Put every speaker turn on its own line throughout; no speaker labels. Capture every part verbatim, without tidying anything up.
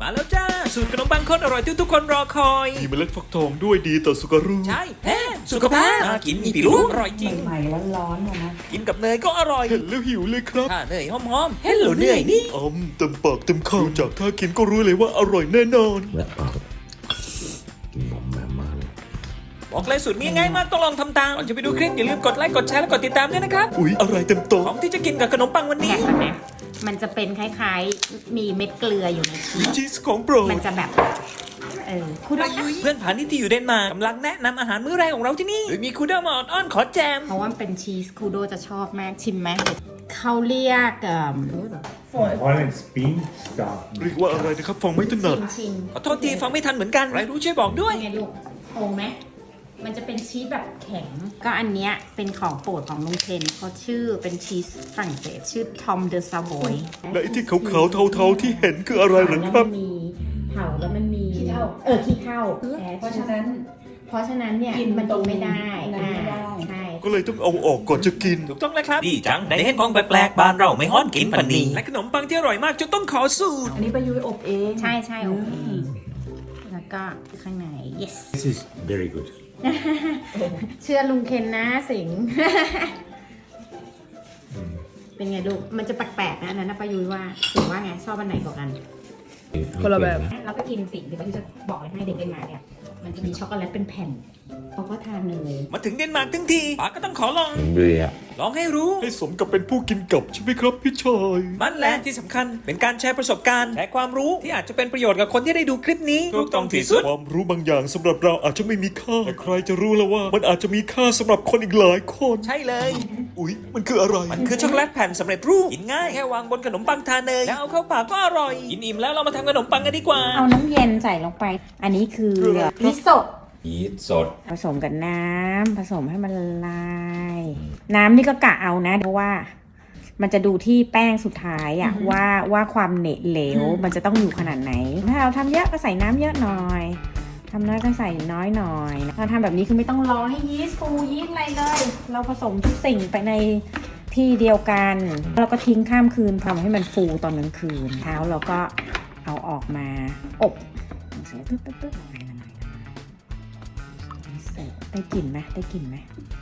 มาแล้วจ้าสูตรขนมปังข้นอร่อยที่ทุกคนรอคอย
มีเมล็ดฟักทองด้วยดีต่อสุขภาพ
ใช่แท้สุขภาพน่ากินมีปิรู้อร่อยจริง
ใหม่ๆร้อนๆเนี่ยนะ
กินกับเนยก็อร่อย
เห็นแล้วหิวเลยครับ
ถ้าเนยหอมๆเฮ้ยเหลวเนยนี่
อ้มเต็มปากเต็มคำจากท่ากินก็รู้เลยว่าอร่อยแน่นอน
และปากกินหอมแหม่มากเลย
บอกเลยสูตรนี้ง่ายมากต้องลองทำตามก่อนจะไปดูคลิปอย่าลืมกดไลค์กดแชร์และกดติดตามด้วยนะครับ
อุ๊ยอะไรเต็มโต๊ะ
ของที่จะกินกับขนมปังวันนี้
แข็งนะมันจะเป็นคล้ายๆ มีเม็ดเกลืออยู่ในชีส
ชีสของโปรด
มันจะแบบ เออคุณว่า
เพื่อนผานี่ที่อยู่เดนมาร์กกำลังแนะนำอาหารมื้อแรกของเราที่นี่โดยมีคูเดอร์มาออนๆขอแจม
เพราะว่ามันเป็นชีสคูโดจะชอบมากชิมไหมเขาเรียกเอ่อ
Violent spin stuff.
เรียกว่าอะไรนะครับฟังไม่ถนัด
ชิมชิม
ขอโทษทีฟังไม่ทันเหมือนกันใครรู้ช่วยบอกด้วย
ไงลูกโงไหมมันจะเป็นชีสแบบแข็ง ก็อันเนี้ยเป็นของโปรดของลุงเทนเขาชื่อเป็นชีสฝรั่งเศสชื่อทอมเดอซาโบย
และไอ้ที่ขาวๆเทาๆที่เห็นคืออะไรเหรอ
แล้ว
ครั
มั
บ
นมีเผาแล้วมันมี
ขี้เถ้า
เออขี้เถ้า
เพราะฉะนั้น
เพราะฉะนั้นเนี่ย
กิน
มันกินไม่ได้
ตรงนั้นไม่ได้
อ่าใช่
ก็เลยต้องเอาออกก่อนจะกิน
ถูกต้องแล้วครับดีจังได้เห็นของแปลกๆบ้านเราไม่ฮ้อนกินปันนี้และขนมปังที่อร่อยมากจนต้องขอสูตร
อันนี้ประยุยอบเอง
ใช่ใช่โอเคแล้วก็ข้างใน yes
This is very good
เชื่อลุงเคนนะสิง เป็นไงลูกมันจะแปลกๆนะอันนั้นนะประยุยว่าสิงว่าไงชอบอันไหนกว่ากัน
คนละแบบ
เราก็กินสิ่งที่ประยุยจะบอกเลยให้เด็กเป็นมาเนี่ยมันจะมีช็อกโกแลตเป็นแผ่นเขาก็ทานเลย
มาถึงเดนมาร์กทั้งทีป๋าก็ต้องขอลอง
เบื่อ
ลองให้รู้
ให้สมกับเป็นผู้กินกับใช่ไหมครับพี่ชาย
มันแหละที่สำคัญเป็นการแชร์ประสบการณ์แชร์ความรู้ที่อาจจะเป็นประโยชน์กับคนที่ได้ดูคลิปนี้ถูกต้องที่สุด
ความรู้บางอย่างสำหรับเราอาจจะไม่มีค่าแต่ใครจะรู้แล้วว่า มันอาจจะมีค่าสำหรับคนอีกหลายคน
ใช่เลย
อุ๊ยมันคืออะไร
มันคือช็อกโกแลตแผ่นสำเร็จรูปกินง่ายแค่วางบนขนมปังทาเนยแล้วเอาเข้าปากก็อร่อยกินอิ่มแล้วเรามาทำขนมปังกันดีกว่า
เอาน้ำเย็นใส่ลงไป อันนี้คือ
คืออะไร
มิโซะ
ยีสต์สด
ผสมกับน้ำผสมให้มันละลาย น้ำนี่ก็กะเอานะเพราะว่า มันจะดูที่แป้งสุดท้ายอะว่าว่าความเหนตเหลวมันจะต้องอยู่ขนาดไหน ถ้าเราทำเยอะก็ใส่น้ำเยอะหน่อยทำน้อยก็ใส่น้อยหน่อยเราทำแบบนี้คือไม่ต้องรอให้ยีสต์ฟูยีสต์อะไรเลย เราผสมทุกสิ่งไปในที่เดียวกันเราก็ทิ้งข้ามคืนทำให้มันฟูตอนกลางคืนเช้าเราก็เอาออกมาอบเสร็จตึ๊ดตึ๊ดตึ๊ดละลายละลายเสร็จได้กลิ่นไหมได้กลิ่นไหม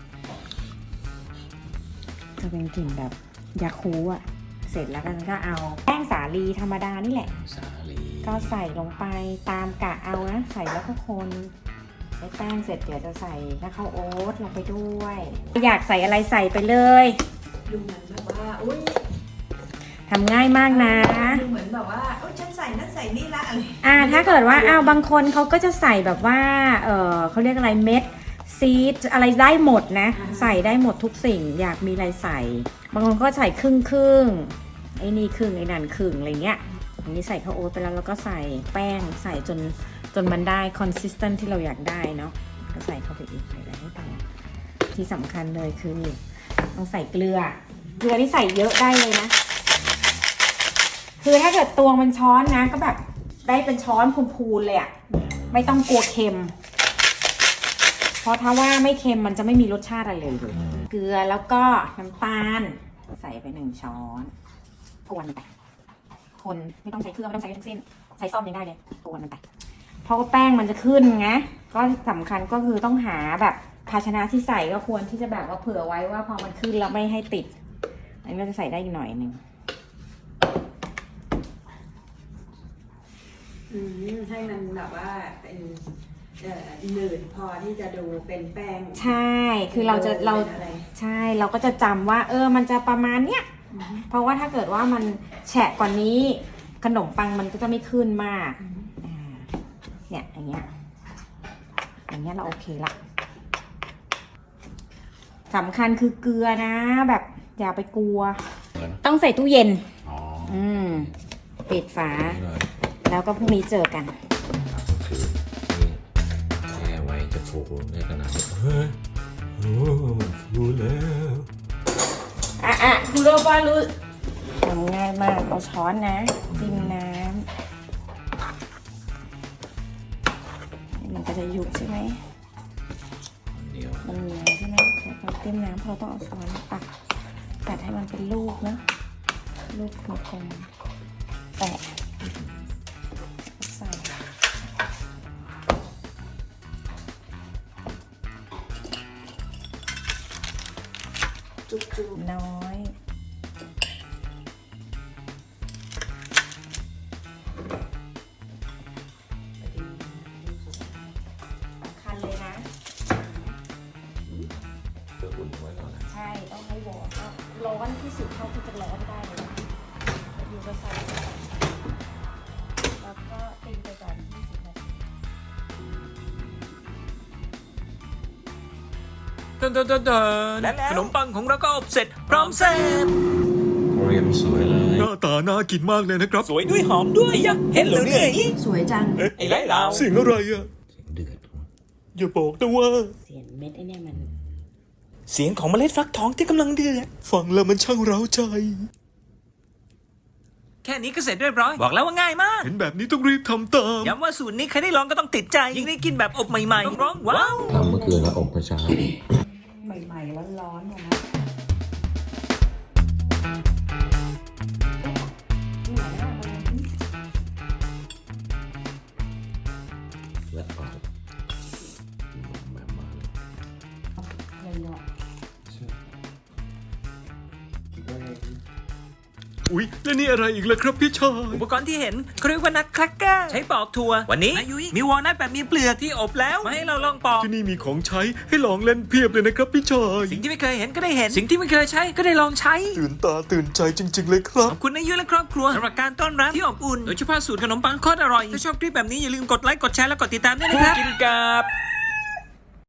จะเป็นกลิ่นแบบยาคูอ่ะเสร็จแล้วก็เอาแป้งสาลีธรรมดานี่แหละ
สาลี
ก็ใส่ลงไปตามกะเอานะใส่แล้วก็คนใส่แป้งเสร็จเดี๋ยวจะใส่แล้วข้าวโอ๊ตลงไปด้วย อยากใส่อะไรใส่ไปเลย
ดูเหมือนแบบว่า อุ้ย
ทำง่ายมากนะ
ดูเหมือนแบบว่าโอ้ยฉันใส่นั่นใส่นี่ละอะไร
อ่าถ้าเกิดว่าอ้าวบางคนเขาก็จะใส่แบบว่าเออเขาเรียกอะไรเม็ดซีดอะไรได้หมดนะ ใส่ได้หมดทุกสิ่ง อยากมีอะไรใส่ บางคนก็ใส่ครึ่งครึ่งไอ้นี่ครึ่งไอ้นั่นครึ่งอะไรเงี้ยอันนี้ใส่ข้าวโอ๊ตไปแล้วแล้วก็ใส่แป้งใส่จนจนมันได้ consistent ที่เราอยากได้เนาะก็ใส่เข้าไปอีกใส่อะไรให้ต่างที่สำคัญเลยคือต้องใส่เกลือเกลือที่ใส่เยอะได้เลยนะ คือถ้าเกิดตวงเป็นช้อนนะก็แบบได้เป็นช้อนพูนๆเลยอะไม่ต้องกลัวเค็ม เพราะถ้าว่าไม่เค็มมันจะไม่มีรสชาติอะไรเลยเกลือแล้วก็น้ำตาลใส่ไปหนึ่งช้อนกวนไปคนไม่ต้องใช้เครื่องไม่ต้องใช้ทั้งสิ้นใช้ซ่อมยังได้เลยกวนมันไปเพราะว่าแป้งมันจะขึ้นไงก็สำคัญก็คือต้องหาแบบภาชนะที่ใส่ก็ควรที่จะแบบว่าเผื่อไว้ว่าพอมันขึ้นแล้วไม่ให้ติดอันนี้เราจะใส่ได้อีกหน่อยหนึ่ง
อืมให้มันแบบว่าเป็นเอ่อหนืดพอที่จะดูเป็นแป้ง
ใช่ คือเราจะเรา
ป็นอะไร
ใช่ เราก็จะจำว่า เออ มันจะประมาณเนี้ย เพราะว่าถ้าเกิดว่ามันแฉะกว่านี้ ขนมปังมันก็จะไม่ขึ้นมากอ่าเนี่ยอย่างเงี้ย อย่างเงี้ยเราโอเคละสำคัญคือเกลือนะ แบบอย่าไปกลัว ต้องใส่ตู้เย็น
อ๋อ
อืม ปิดฝา
นี่เลย
แล้วก็พรุ่งนี้เจอกัน
คือนี่แช่ไว้จะฟูในขนาดนี้เฮ้ยโอ้ฟูแล้ว
อ่ะอ่ะดูโรบอลรู้ทำง่ายมาก เอาช้อนนะจิ้มน้ำมันก็จะยุบใช่ไหม
เดียว
มันเหนียวใช่ไหมแล้วก็จิ้มน้ำเพราะเราต้องเอาช้อนตักตัดให้มันเป็นลูกนะลูกกลมๆแตะน้อยสำคัญเลยนะ
เพื่ออุ่นไว้ก่อนนะ
ใช่ ต้องให้วอร์มก็ร้อนที่สุดเท่าที่จะร้อนได้เลยนะอยู่ก็ใส่ไปก่อนแล้วก็ตีไปก่อนยี่สิบนาที
เดินเดินเดินเดินและขนมปังของเราก็อบเสร็จพร้อมเสิร์ฟ
เรียมสวยเลย
หน้าตาน่ากินมากเลยนะครับ
สวยด้วยหอมด้วยยะเห็นแล้วเนี่ย
สวยจัง
ไอ้ไรเรา
เสียงอะไรอะ
เสียงเดือด
อย่าบอกนะว่า
เสียงเม็ดไอ้เนี่ยมัน
เสียงของเมล็ดฟักทองที่กำลังเดือด
ฟังแล้วมันช่างเร้าใจ
แค่นี้ก็เสร็จเรียบร้อย บอกแล้วว่าง่ายมาก
เห็นแบบนี้ต้องรีบทำตาม
ย้ำว่าสูตรนี้ใครได้ลองก็ต้องติดใจ ยิ่งได้กินแบบอบใหม่ๆต้องร้องว้าว
ทำเมื่อคืนแล้วอบเมื่อเช้า
ใหม่ๆร้อนๆนะ
และออกแบบมาเลย
อุ๊ย แล้วนี่อะไรอีกล่ะครับพี่ชาย
อุปกรณ์ที่เห็นเขาเรียกว่านัทแครกเกอร์ใช้ปอกถั่ววันนี้อายุยมีวอลนัทแบบมีเปลือกที่อบแล้วมาให้เราลองปอก
ที่นี่มีของใช้ให้ลองเล่นเพียบเลยนะครับพี่ชาย
สิ่งที่ไม่เคยเห็นก็ได้เห็น สิ่งที่ไม่เคยใช้ก็ได้ลองใช้
ตื่นตาตื่นใจจริง ๆ เลยครับ
ขอบคุณนายุและครอบครัวสำหรับการต้อนรับที่อบอุ่น โดยเฉพาะสูตรขนมปังโคตรอร่อย ถ้าชอบคลิปแบบนี้อย่าลืมกดไลค์ กดแชร์ และกดติดตามด้วยนะครับ กินกับ